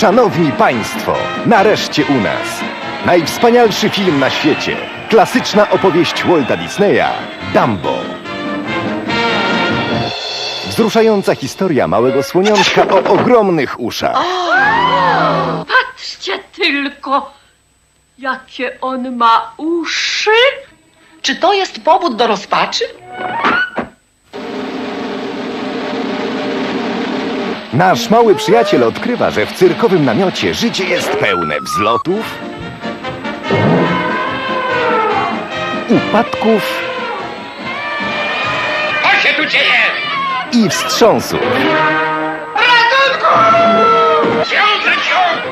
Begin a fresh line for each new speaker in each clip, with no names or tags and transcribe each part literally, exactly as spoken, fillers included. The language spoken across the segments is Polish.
Szanowni Państwo, nareszcie u nas. Najwspanialszy film na świecie. Klasyczna opowieść Walta Disneya Dumbo. Wzruszająca historia małego słoniątka o ogromnych uszach.
Patrzcie tylko, jakie on ma uszy.
Czy to jest powód do rozpaczy?
Nasz mały przyjaciel odkrywa, że w cyrkowym namiocie życie jest pełne wzlotów, upadków
Co się tu dzieje?
i wstrząsów.
Ratunku! Książę ciąg!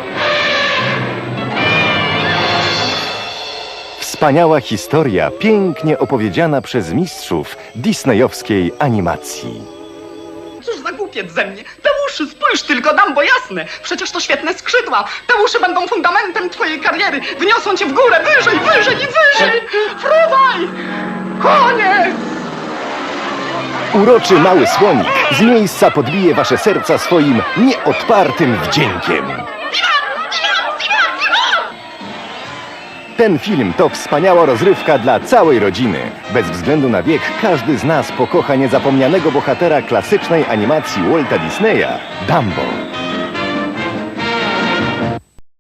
Wspaniała historia, pięknie opowiedziana przez mistrzów disneyowskiej animacji.
Cóż za głupiec ze mnie. Te uszy, spójrz tylko, Dumbo, jasne. Przecież to świetne skrzydła. Te uszy będą fundamentem twojej kariery. Wyniosą cię w górę, wyżej, wyżej i wyżej. Fruwaj! Koniec!
Uroczy mały słonik z miejsca podbije wasze serca swoim nieodpartym wdziękiem. Ten film to wspaniała rozrywka dla całej rodziny. Bez względu na wiek, każdy z nas pokocha niezapomnianego bohatera klasycznej animacji Walta Disneya, Dumbo.